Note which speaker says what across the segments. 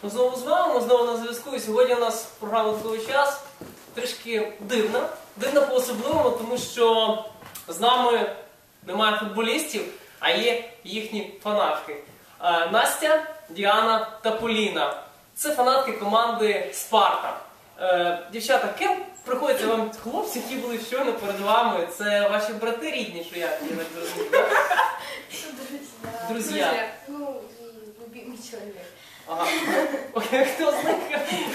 Speaker 1: Ми знову з вами, ми знову на зв'язку. І сьогодні у нас програма «Додатковий час» трішки дивна. Дивна по-особливому, тому що з нами немає футболістів, а є їхні фанатки. Настя, Діана та Поліна. Це фанатки команди «Спарта». Дівчата, ким приходяться вам хлопці, які були щойно перед вами? Це ваші брати рідні, що я так зрозумів, так? Друзі.
Speaker 2: Ну, и любимый человек.
Speaker 1: Ага. Окей, хто з них?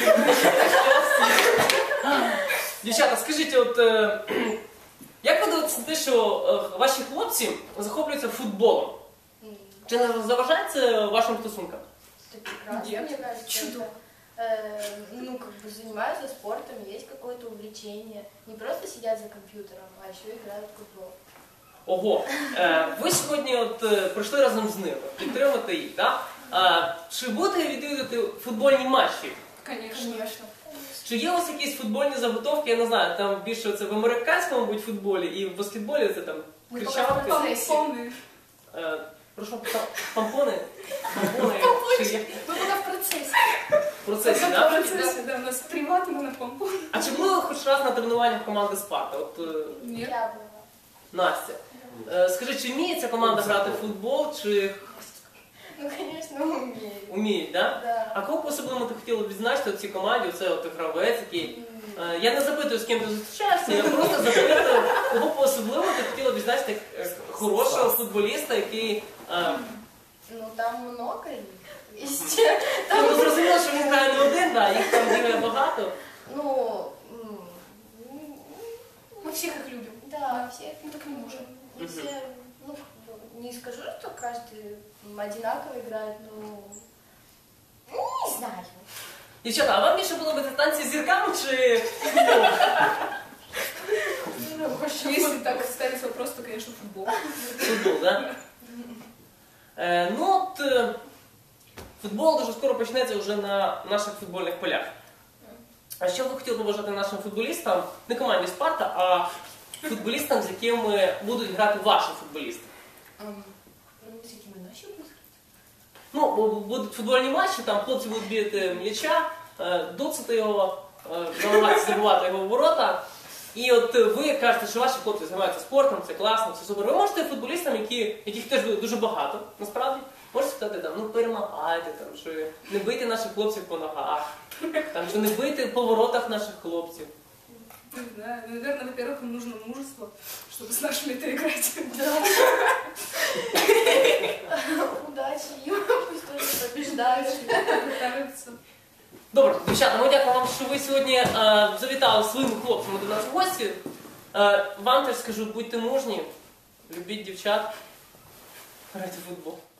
Speaker 1: Дівчата, скажіть, от як ви дивитеся на те, що ваші хлопці захоплюються футболом? Чи не заважає це вашим стосункам?
Speaker 2: Это прекрасно, мне кажется.
Speaker 3: Чудо.
Speaker 2: Ну, как бы занимаются спортом, есть какое-то увлечение. Не просто сидят за компьютером, а еще играют в футбол.
Speaker 1: Ого, ви сьогодні от прийшли разом з ними, підтримати їх, так? Чи будете відвідувати футбольні матчі?
Speaker 3: Конечно.
Speaker 1: Чи є у вас якісь футбольні заготовки, я не знаю, там більше це в американському, мабуть, футболі і в баскетболі це там кричалки?
Speaker 3: Помни.
Speaker 1: Прошу, помпони? Помпони? Чи є?
Speaker 3: Мы пока в процессе.
Speaker 1: В процесі,
Speaker 3: В
Speaker 1: так?
Speaker 3: процессе, да, у нас приват, мы на помпу.
Speaker 1: А чи були ви хоч раз на тренуваннях команди «Спарта»? От,
Speaker 3: Нет.
Speaker 2: Я была.
Speaker 1: Настя, скажи, чи вміє ця команда грати в футбол, чи
Speaker 2: Ну, конечно, умеет.
Speaker 1: вміють, так?
Speaker 2: Да.
Speaker 1: А кого по-особливому ти хотіла б відзначити в цій команді? Оце от гравець, який... Я не запитую, з ким ти зустрічаєшся, я просто запитую, кого по-особливому ти хотіла б відзначити як хорошого футболіста, який...
Speaker 2: Ну, там много их. Есть.
Speaker 1: Ну, зрозуміло, що він грає не один, да, їх там бігає багато.
Speaker 2: Ну,
Speaker 3: Мы всех их любим.
Speaker 2: да, все.
Speaker 3: Мы так не можем.
Speaker 2: Не все, ну, не скажу, что каждый одинаково играет, но... Ну, не знаю.
Speaker 1: Дівчата, а вам більше подобається танці з зірками чи...
Speaker 3: Если так ставить вопрос, то, конечно, футбол.
Speaker 1: Футбол, так? Ну от, футбол дуже скоро почнеться вже на наших футбольних полях. А що ви хотіли побажати нашим футболістам, не команді «Спарта», а футболістам, з якими будуть грати ваші футболісти?
Speaker 2: С какими наши будут?
Speaker 1: Ну, будуть футбольні матчі, там хлопці будуть бігати м'яча, доцати його, намагатися забивати його в ворота. І от ви кажете, що ваші хлопці займаються спортом, це класно, це супер. Ви можете футболістам, яких теж дуже багато, насправді, можете сказати, там, ну перемагайте, там, що не бийте наших хлопців по ногах, там, що не бийте по воротах наших хлопців.
Speaker 3: Не знаю, наверное, во-первых, им нужно мужество, чтобы с нашими-то играть.
Speaker 2: Удачи им, пусть тоже побеждают.
Speaker 3: Пытаются.
Speaker 1: Добре, дівчата, ми дякуємо вам, що ви сьогодні завітали своїми хлопцями до нас в гості. Вам теж скажу, будьте мужні, любіть дівчат, грайте в футбол.